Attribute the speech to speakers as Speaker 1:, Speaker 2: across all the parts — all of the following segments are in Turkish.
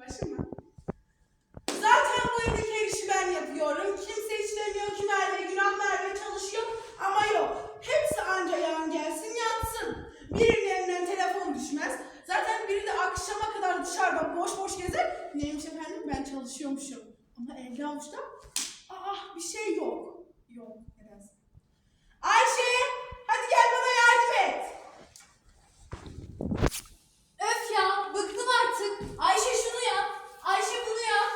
Speaker 1: Kardeşim mi? Zaten bu evdeki her işi ben yapıyorum. Kimse istemiyor ki Merve, günah Merve çalışıyor ama yok. Hepsi anca yan gelsin yatsın. Birinin elinden telefon düşmez. Zaten biri de akşama kadar dışarıda boş boş gezer. Neymiş efendim, ben çalışıyormuşum. Ama elde avuçta bir şey yok. Yok nedense. Ayşe, hadi gel bana yardım et.
Speaker 2: Öf ya, bıktım artık. Ayşe şunu yap, Ayşe bunu yap.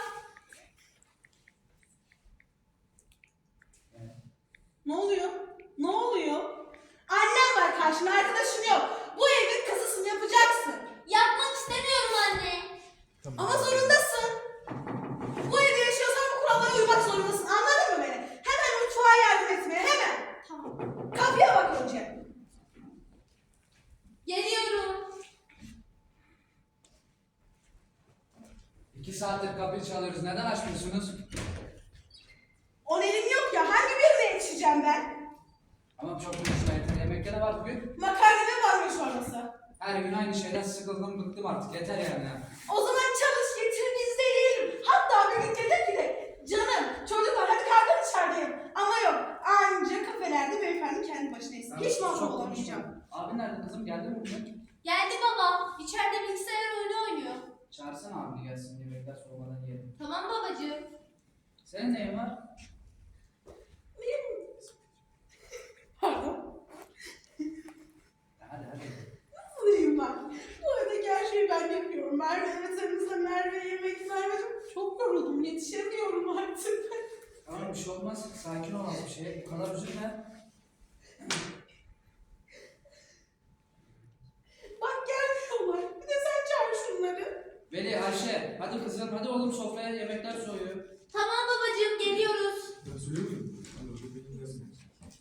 Speaker 1: Ne oluyor? Ne oluyor? Annen var karşında, arkadaşın yok. Bu evin kızısını yapacaksın.
Speaker 2: Yapmak istemiyorum anne.
Speaker 1: Ama zorundasın. Bu evde yaşıyorsan bu kurallara uymak zorundasın. Anladın mı beni? Hemen mutfağa yardım etmeye, hemen. Tamam. Kapıya bak önce.
Speaker 2: Geliyorum.
Speaker 3: 2 saattir kapıyı çalıyoruz. Neden açmıyorsunuz?
Speaker 1: On elim yok ya. Hangi birine yetişeceğim ben?
Speaker 3: Ama çok konuşmayın. Yemekte ne var bugün?
Speaker 1: Makarna ve barbunya çorbası.
Speaker 3: Her gün aynı şeyden sıkıldım, bıktım artık. Yeter yani.
Speaker 1: O zaman çalış getir biz de yiyelim. Hatta bir gün dedim ki de canım çocuklar hadi kalkın dışarıdayım. Ama yok. Anca kafelerde beyefendi kendi başına yesin. Hiç
Speaker 3: Çok
Speaker 1: muhatap
Speaker 3: konuşma.
Speaker 1: olamayacağım.
Speaker 3: Abi nerede kızım? Geldi mi bugün?
Speaker 2: Geldi baba. İçeride bilgisayar oyunu oynuyor.
Speaker 3: Çağırsana abini gelsin. Yemekler soğumadan yiyelim.
Speaker 2: Tamam babacığım.
Speaker 3: Senin neyin var?
Speaker 1: Pardon.
Speaker 3: Hadi.
Speaker 1: Nasılayım ben? Bu evdeki her şeyi ben yapıyorum. Merve evet Merve yemek Merve'cim. Çok yoruldum. Yetişemiyorum artık.
Speaker 3: Tamam bir şey olmaz. Sakin ol az bir şey. Bu kadar üzülme.
Speaker 1: Bak gelmiyorlar. Bir de sen çağır şunları.
Speaker 3: Veli, Ayşe. Hadi kızım. Hadi oğlum sofraya yemekler soğuyor.
Speaker 2: Tamam babacığım geliyoruz.
Speaker 4: Ben söylüyor muyum? Ben orada benim yazım.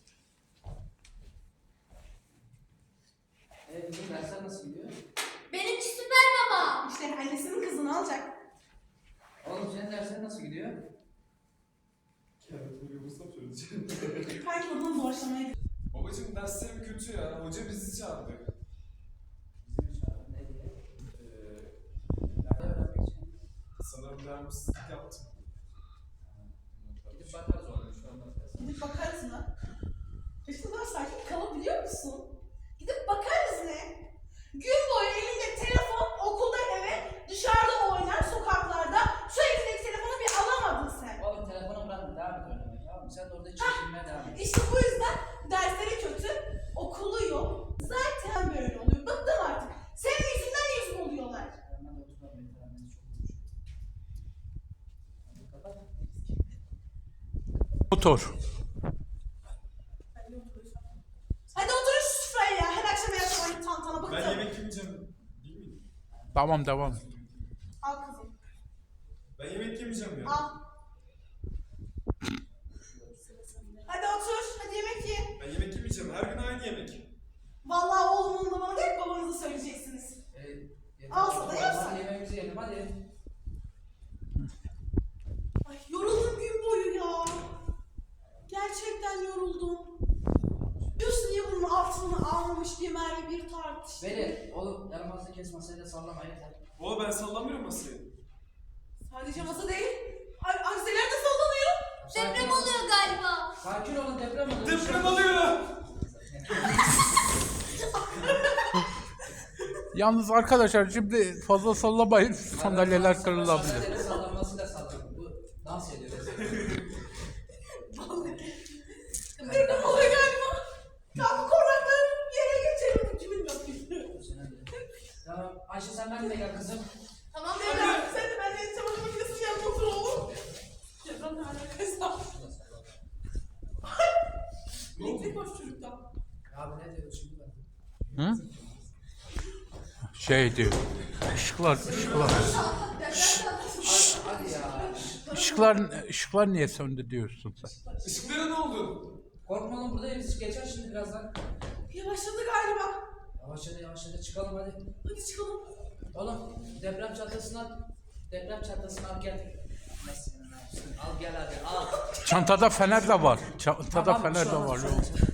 Speaker 3: Kızım dersler nasıl gidiyor?
Speaker 2: Benimki süper baba.
Speaker 1: İşte annesinin kızını alacak.
Speaker 3: Oğlum senin dersler nasıl gidiyor?
Speaker 4: Kağıt böyle vursam söyleyeceğim.
Speaker 1: Kanki odunu borçlamaya gidiyor.
Speaker 4: Babacım derslerim kötü ya. Hoca bizi çağırdı.
Speaker 3: Bizim çağırın ne diye? Nerede öğrenmek için?
Speaker 4: Sanırım dermişsizlik yaptım.
Speaker 3: Gidip bakarız oğlum şu anda.
Speaker 1: Gidip bakarız mı? İşte daha sakin kalabiliyor musun? Gidip bakarız ne? Gün boyu elinde telefon, okulda eve, dışarıda oynar, sokaklarda. Şu elindeki telefonu bir alamadın sen.
Speaker 3: Oğlum telefonu bırakma, devam et oynamaya, tamam mı? Sen de orada çekilmeye devam et.
Speaker 1: İşte bu yüzden dersleri kötü, okulu yok. Zaten böyle oluyor. Bıktım artık. Senin yüzünden yüz oluyorlar.
Speaker 3: Hemen de oturalım, yeter annesi çok konuşuyor. Hadi kapat.
Speaker 5: Motor.
Speaker 1: Hadi oturun şu sofraya ya. Her akşam yapıyorum tantana bıktım.
Speaker 4: Ben yemek yemeyeceğim. Değil mi?
Speaker 5: Tamam devam.
Speaker 1: Al kızım.
Speaker 4: Ben yemek yemeyeceğim ya.
Speaker 1: Al. Hadi otur. Hadi yemek ye.
Speaker 4: Ben yemek yemeyeceğim. Her gün aynı yemek.
Speaker 1: Vallahi oğlumun da bana değil babanıza söyleyeceksiniz.
Speaker 3: Yeter.
Speaker 1: Alsa da yersin.
Speaker 3: Hadi yemeğimizi yiyelim hadi.
Speaker 1: Ay yoruldum gün boyu ya. Gerçekten yoruldum. Diyorsun niye bunun altını almamış diye Merve bir tartıştı.
Speaker 3: Veli, oğlum yaramazlık kes masayı da sallama yeter.
Speaker 4: Oğlum ben sallamıyorum masayı.
Speaker 1: Sadece masa değil. Ay arzeler de sallanıyor.
Speaker 2: Deprem oluyor galiba.
Speaker 3: Sakin olun, deprem oluyor.
Speaker 4: Deprem oluyor.
Speaker 5: Yalnız arkadaşlar şimdi fazla sallamayın. Sandalyeler kırılabilir.
Speaker 3: Sandalyeleri sallanması da sallanıyor. Bu dans ediyor.
Speaker 1: Deprem oluyor galiba. Ya bu kornakları yere geçelim. Kimin yapıyor?
Speaker 3: Tamam, Ayşe sen benimle gel kızım.
Speaker 1: Tamam Mevla. Sen de benimle çamaşır makinesinin yanına otur oğlum. Deprem ne alakaysa. Elektrik boş çocukta.
Speaker 3: Abi ne diyor şimdi ben?
Speaker 5: Hı? Şeydi. Işıklar.
Speaker 3: Hadi ya.
Speaker 5: Işıklar niye söndü diyorsun sen?
Speaker 4: Işıklara ne oldu?
Speaker 3: Korkma oğlum, buradayız. Geçer şimdi birazdan.
Speaker 1: Yavaşladı galiba.
Speaker 3: Yavaşladı çıkalım hadi.
Speaker 1: Hadi çıkalım.
Speaker 3: Oğlum deprem çantasını al gel. Nasıl? Al gel hadi al.
Speaker 5: Çantada fener de var. Çantada
Speaker 3: Tamam,
Speaker 5: fener
Speaker 3: şu
Speaker 5: de
Speaker 3: an-
Speaker 5: var.
Speaker 3: şu
Speaker 5: Yok.
Speaker 3: an-